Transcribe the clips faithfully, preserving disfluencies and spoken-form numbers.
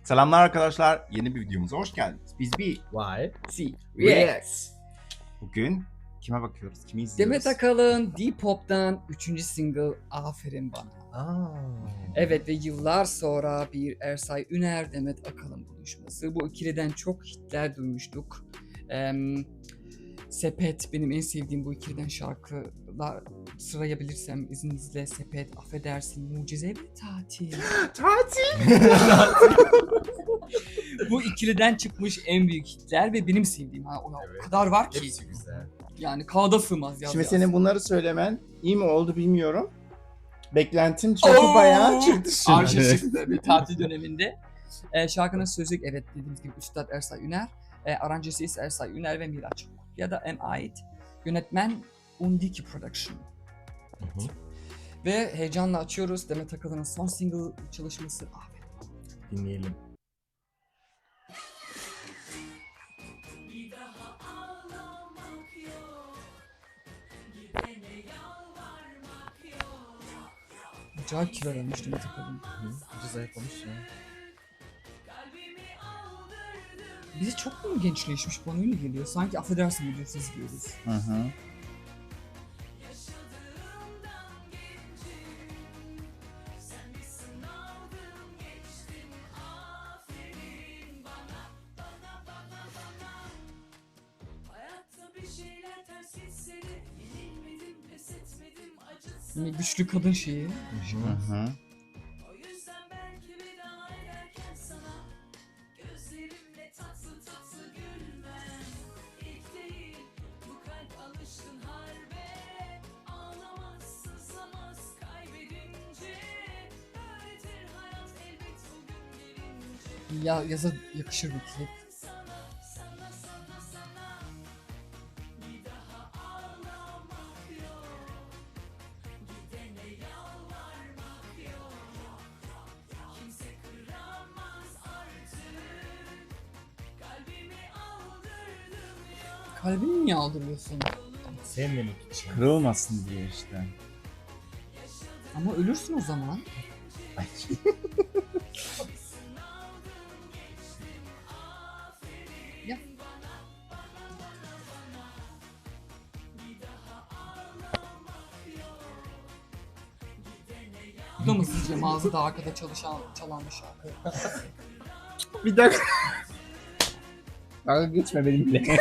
Selamlar arkadaşlar, yeni bir videomuza hoş geldiniz. Biz bir Y C Reacts. Bugün kime bakıyoruz, kimi izliyoruz? Demet Akalın D-Pop'tan üçüncü single Aferin Bana. Aa. Evet ve yıllar sonra bir Ersay Üner Demet Akalın buluşması. Bu ikiliden çok hitler duymuştuk. Ee, Sepet benim en sevdiğim bu ikiliden şarkılar sırayabilirsem izninizle Sepet, Affedersin, Mucize ve Tatil. Tatil! Bu ikiliden çıkmış en büyük hitler ve benim sevdiğim. Ha, o Evet. kadar var ki. Hepsi güzel. Yani kağıda sığmaz yaz Şimdi yaz. senin bunları söylemen iyi mi oldu bilmiyorum. Beklentim çünkü Oo! bayağı çıktı şimdi. Arşa çıktı bir tatil döneminde. Ee, şarkının sözü evet dediğimiz gibi Üstad Ersay Üner. E, aranjesi ise Ersay Üner ve Miraç ya da em ait. Yönetmen Undiki Production. Hı hı. Ve heyecanla açıyoruz Demet Akalın'ın son single çalışması. Aferin. Dinleyelim. Acayip kilo vermiş Demet Akalın. Hı. Ucuz zayıflamış ya. Bizi çok mu gençleşmiş bana öyle geliyor. Sanki affedersin videosu izliyoruz. Hı hı. Yine güçlü kadın şeyi. Hı hı. Ya yaza yakışır bir klip. Kalbini niye aldırıyorsun? Sevmemek için. Kırılmasın diye işte. Ama ölürsün o zaman. Ay. Ya. Bu da mı sizce mağazada arkada çalışan, çalan bir şarkı? Bir dakika. Dalga geçme benimle.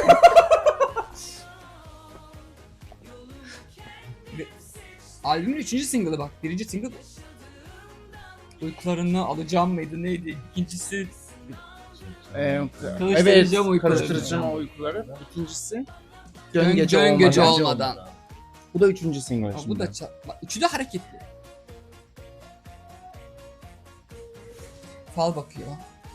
Albümün üçüncü single'ı bak. Birinci single Uykularını alacağım mıydı neydi? İkincisi Ee, evet, Karıştıracağım uykuları. karıştıracağım uykuları. İkincisi Dön, Dön Gece dön gece Olmadan. olmadan. Bu da üçüncü single Ha, şimdi. bu da ça- bak, üçü de hareketli. Fal bakıyor.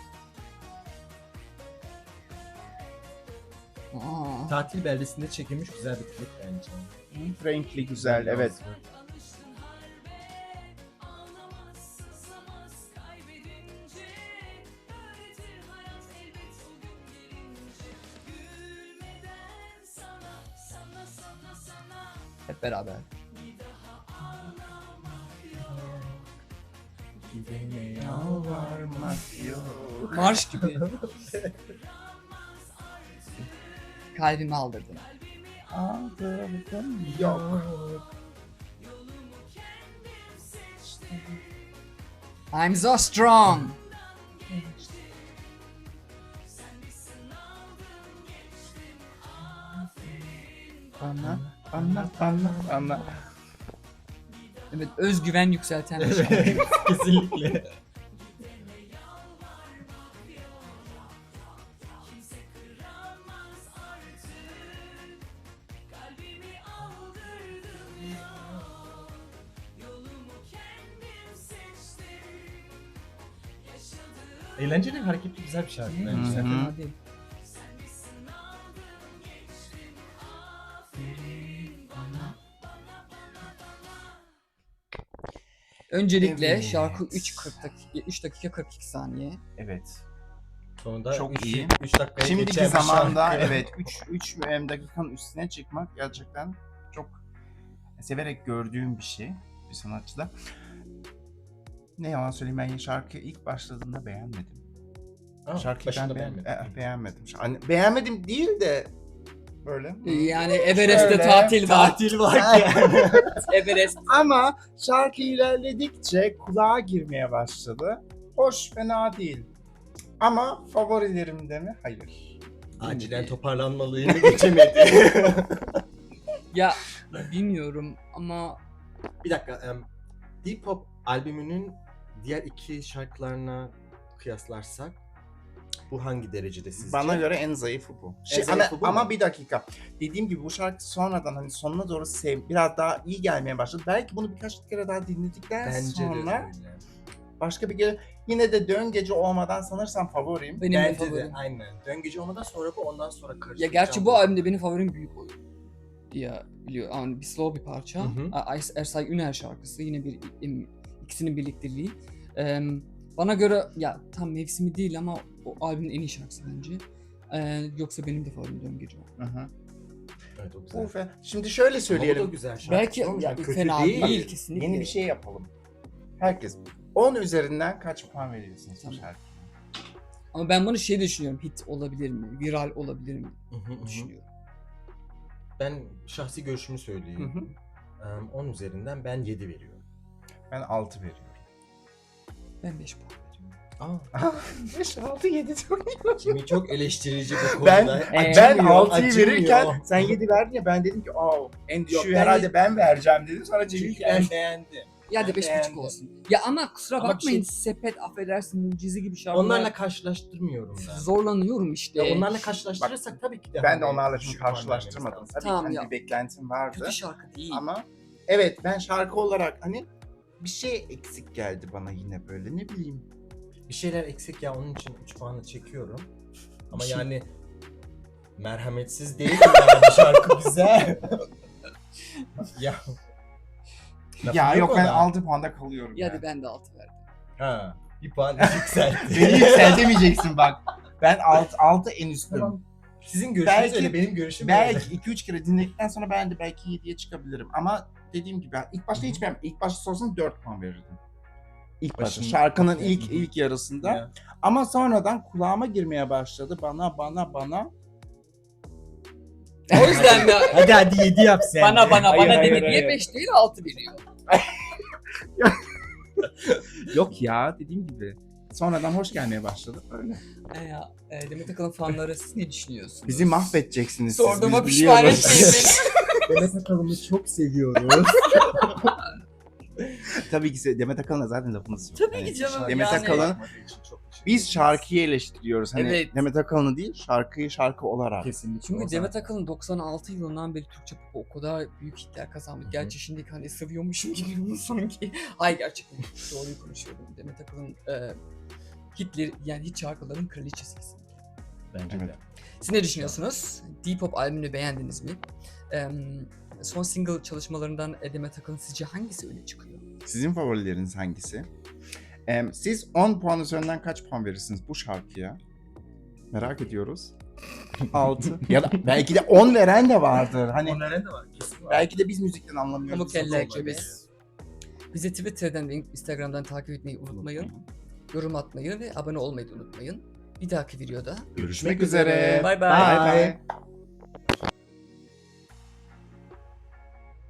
Aa, Tatil beldesinde çekilmiş güzel bir klip bence. Frankly güzel, evet. hep beraber. Gidene Yalvarmak yok. Marş gibi. Kalbimi aldırdın. Aldırdım yok. I'm so strong. Bana, bana, bana, bana. Evet, özgüven yükselten bir şarkı. Evet, kesinlikle. Eğlenceli, hareketli, güzel bir şarkı Hı bence. hı. Fena değil. Öncelikle Evet. şarkı üç dakika kırk iki saniye. Evet. Sonunda Çok üç, iyi. üç dakikaya Şimdiki geçen bir zamanda şarkı. evet üç üç dakikanın üstüne çıkmak gerçekten çok severek gördüğüm bir şey bir sanatçıda. Ne yalan söyleyeyim, ben şarkı ilk başladığında beğenmedim. Aa, Şarkıyı başında ben beğenmedim. beğenmedim. Eh, beğenmedim. Hani beğenmedim değil de böyle. Yani Everest'te Şöyle, tatil var. Tatil varken. Everest. Ama şarkı ilerledikçe kulağa girmeye başladı. Hoş, fena değil. Ama favorilerimde mi? Hayır. Acilen toparlanmalıyım geçemedi. Ya bilmiyorum ama Bir dakika. em, Deep Pop albümünün diğer iki şarkılarına kıyaslarsak bu hangi derecede sizce? Bana göre en zayıfı bu. Şey, ama, zayıfı bu ama mu? bir dakika. Dediğim gibi bu şarkı sonradan hani sonuna doğru sev, biraz daha iyi gelmeye başladı. Belki bunu birkaç kere daha dinledikten Bence de sonra öyle. başka bir gece yine de Dön Gece olmadan sanırsam favorim. benim de Bence de favorim. aynen. Dön gece olmadan sonra bu, ondan sonra Ya karıştıracağım. gerçi bu albümde benim favorim Büyük Oyun diye biliyor. Yani bir slow bir parça. Hı hı. A- Ersay Üner şarkısı yine bir im- ikisinin birlikteliği. Ee, bana göre ya tam mevsimi değil ama o albümün en iyi şarkısı bence. Ee, yoksa benim de favorim Dön Gece. Hı hı. Evet, o Bu güzel. fe- Şimdi şöyle Ama o da söyleyelim. güzel şarkı. Belki Sonuçta ya, kötü fena değil. değil, kesinlikle. Yeni bir şey yapalım. Herkes on üzerinden kaç puan veriyorsunuz bu Tamam. şarkıya? Ama ben bunu şey düşünüyorum. Hit olabilir mi? Viral olabilir mi? Hı hı, hı hı. Düşünüyorum. Ben şahsi görüşümü söyleyeyim. Hı hı. Em, on üzerinden ben yedi veriyorum. Ben altı veriyorum. Ben beş puan veriyorum. Aa, beş, altı, yedi çok iyi. Jimmy çok eleştirici bu Ben, konuda. Ee, ben Acımıyor, altıyı acımıyor. verirken sen yedi verdin ya ben dedim ki aa en düşüğü ben herhalde yedi- ben vereceğim dedim sonra Çünkü Cemil ben geldi. beğendim. Ya da Ben beş beğendim. buçuk olsun. Ya ama kusura Ama bir bakmayın şey- sepet affedersin mucize gibi şarkılar. Onlarla karşılaştırmıyorum ben. zorlanıyorum işte. Ya onlarla karşılaştırırsak tabii ki de Ben de hani onlarla düşük şimdi puan karşılaştırmadım. vermemiz Tabii Tamam ki ya. hani bir beklentim vardı. Kötü şarkı değil. Ama evet ben şarkı olarak hani bir şey eksik geldi bana yine böyle ne bileyim. lazım. Bir şeyler eksik ya, onun için üç puanı çekiyorum. Ama Bir şey- yani merhametsiz değil yani şarkı güzel. ya. Lafım Ya yok ben ona. altı puanda kalıyorum. Ya yani. da ben de altı verdim. Ha, bir puan yükseltti. Beni yükseltemeyeceksin bak. Ben altı, altı en üstüm. Tamam. Sizin görüşünüz Belki- öyle, benim görüşüm öyle. Belki iki üç kere dinledikten sonra ben de belki yediye çıkabilirim. Ama dediğim gibi ilk başta hiç beğenmedim. İlk başta sorsan dört puan verirdim. İlk başta Başın- şarkının Hı ilk hı. ilk yarısında. Ya. Ama sonradan kulağıma girmeye başladı. Bana bana bana. O yüzden de Hadi hadi yedi yap sen. bana bana Hayır, bana hayır, dedi diye hayır. beş değil altı veriyor. Yok ya dediğim gibi. Sonradan hoş gelmeye başladı. Öyle. E ya, e, Demet Akalın fanları siz ne düşünüyorsunuz? Bizi mahvedeceksiniz siz. Sorduğuma biz pişman biliyoruz. etmeyin beni. Demet Akalın'ı çok seviyoruz. Tabii ki se- Demet Akalın'a zaten lafımız yok. Tabii Hani ki canım, Demet yani- Akalın, biz şarkıyı eleştiriyoruz. Hani Evet. Demet Akalın'ı değil, şarkıyı şarkı olarak. Kesinlikle. Çünkü o Demet zaten. Akalın doksan altı yılından beri Türkçe pop o kadar büyük hitler kazandı. Hı hı. Gerçi şimdi hani seviyormuşum gibi sanki. Hayır gerçekten doğruyu konuşuyorum. Demet Akalın e, hitleri yani hit şarkıların kraliçesi kesinlikle. Bence Evet. de. Siz ne düşünüyorsunuz? Deep Pop albümünü beğendiniz mi? Ee, son single çalışmalarından Demet Akalın sizce hangisi öne çıkıyor? Sizin favorileriniz hangisi? Em, siz on puan üzerinden kaç puan verirsiniz bu şarkıya? Merak ediyoruz. altı. Ya da belki de on veren de vardır. Hani Onların da var. Kesin var. belki de biz müzikten anlamıyoruz. Pamuk eller Biz- gibi. Bizi Twitter'dan ve Instagram'dan takip etmeyi unutmayın. Yorum atmayı ve abone olmayı da unutmayın. Bir dahaki videoda Görüşmek üzere. Bye bye. Bye bye.